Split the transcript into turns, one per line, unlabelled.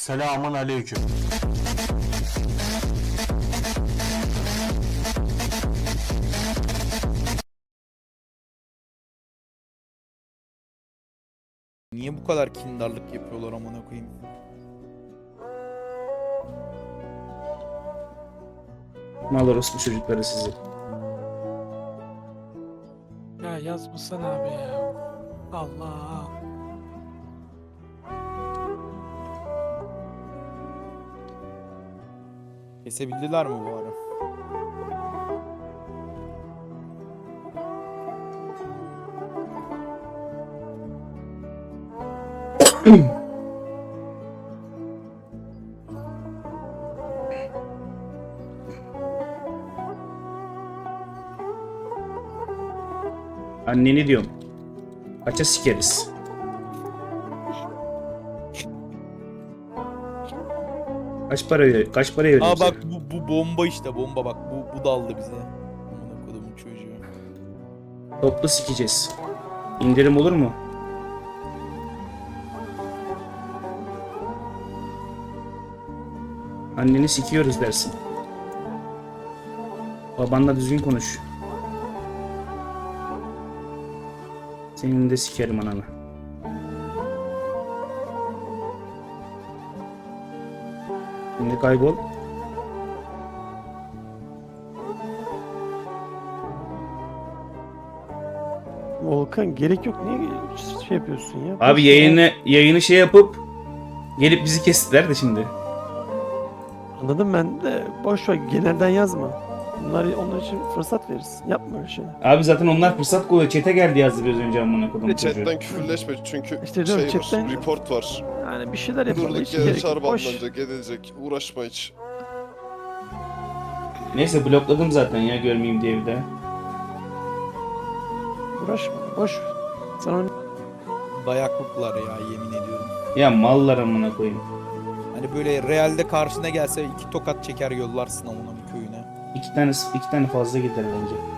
Selamun aleyküm.
Niye bu kadar kindarlık yapıyorlar amına koyayım?
Mal orospu çocukları sizi.
Ya yazmasana abi ya. Allah.
Kesebildiler mi bu ara?
Anneni diyorum. Kaça sikeriz. Kaç para veriyor
Aa
bize?
bak bu bomba işte bomba bak bu daldı bize. Amına kodumun çocuğu.
Toplu sikeceğiz. İndirim olur mu? Anneni sikiyoruz dersin. Babanla düzgün konuş. Senin de sikerim ananı. Şimdi kaybol.
Volkan gerek yok. Niye şey yapıyorsun ya?
Abi
Boş ver.
yayını şey yapıp gelip bizi kestiler de şimdi.
Anladım ben de. Boş ver. Genelden yazma. Onlar için fırsat veririz. Yapma öyle şey.
Abi zaten onlar fırsat kolluyor. Çete geldi yazdı biraz önce amına kodum çocuğu.
Chatten küfürleşme çünkü
İşte diyorum,
şey
chatten-
var, report var.
Yani bir şeyler yapalım.
Durduk
Hiç
yere
gerek yok.
çağrı
Boş.
banlanacak, edilecek. Uğraşma hiç.
Neyse blokladım zaten ya görmeyeyim diye bir de.
Uğraşma. Boş. ver. Sen onu
Dayaklıklar ya yemin ediyorum.
Ya mallar amına koyayım.
Hani böyle realde karşına gelse iki tokat çeker yollarsın amına bir köyüne.
İki tane fazla gider bence.